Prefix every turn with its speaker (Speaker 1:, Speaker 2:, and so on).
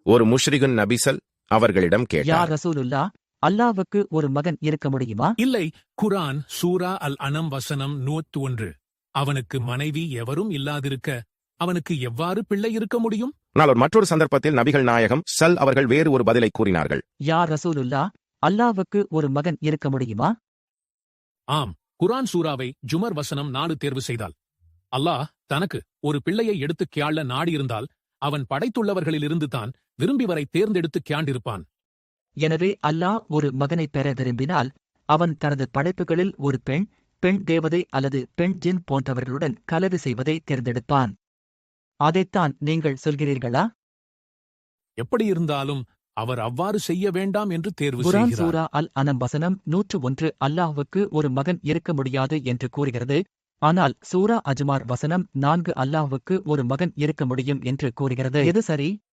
Speaker 1: ஒரு முஷ்ரிகுன் நபிசல் அவர்களிடம்
Speaker 2: யா
Speaker 1: கேட்டார்,
Speaker 2: ரசூலுல்லா, அல்லாஹ்வுக்கு ஒரு மகன் இருக்க முடியுமா?
Speaker 3: இல்லை. குர்ஆன் சூரா அல் அனம் வசனம் 101. அவனுக்கு மனைவி எவரும் இல்லாதிருக்க அவனுக்கு எவ்வாறு பிள்ளை இருக்க முடியும்?
Speaker 1: ஆனால் ஒரு மற்றொரு சந்தர்ப்பத்தில் நபிகள் நாயகம் சல் அவர்கள் வேறு ஒரு பதிலை கூறினார்கள்.
Speaker 2: யா ரசூலுல்லா, அல்லாஹ்வுக்கு ஒரு மகன் இருக்க முடியுமா?
Speaker 3: ஆம். குர்ஆன் சூராவை ஜுமர் வசனம் 4 தேர்வு செய்தால், அல்லாஹ் தனக்கு ஒரு பிள்ளையை எடுத்துக் கியாள நாடியிருந்தால் அவன் படைத்துள்ளவர்களிலிருந்து தான் விரும்பிவரை தேர்ந்தெடுத்துக் கியாண்டிருப்பான்.
Speaker 2: எனவே அல்லாஹ் ஒரு மகனைப் பெற விரும்பினால் அவன் தனது படைப்புகளில் ஒரு பெண் தேவதை அல்லது பெண் ஜின் போன்றவர்களுடன் கலவி செய்வதை தேர்ந்தெடுப்பான். அதைத்தான் நீங்கள் சொல்கிறீர்களா?
Speaker 3: எப்படியிருந்தாலும் அவர் அவ்வாறு செய்ய வேண்டாம் என்று தேர்வு
Speaker 2: குர்ஆன்
Speaker 3: செய்கிறார்.
Speaker 2: சூரா அல் அனம் வசனம் 101 அல்லாஹ்வுக்கு ஒரு மகன் இருக்க முடியாது என்று கூறுகிறது. ஆனால் சூரா அஜ்மார் வசனம் 4 அல்லாஹ்வுக்கு ஒரு மகன் இருக்க முடியும் என்று கூறுகிறது. எது சரி?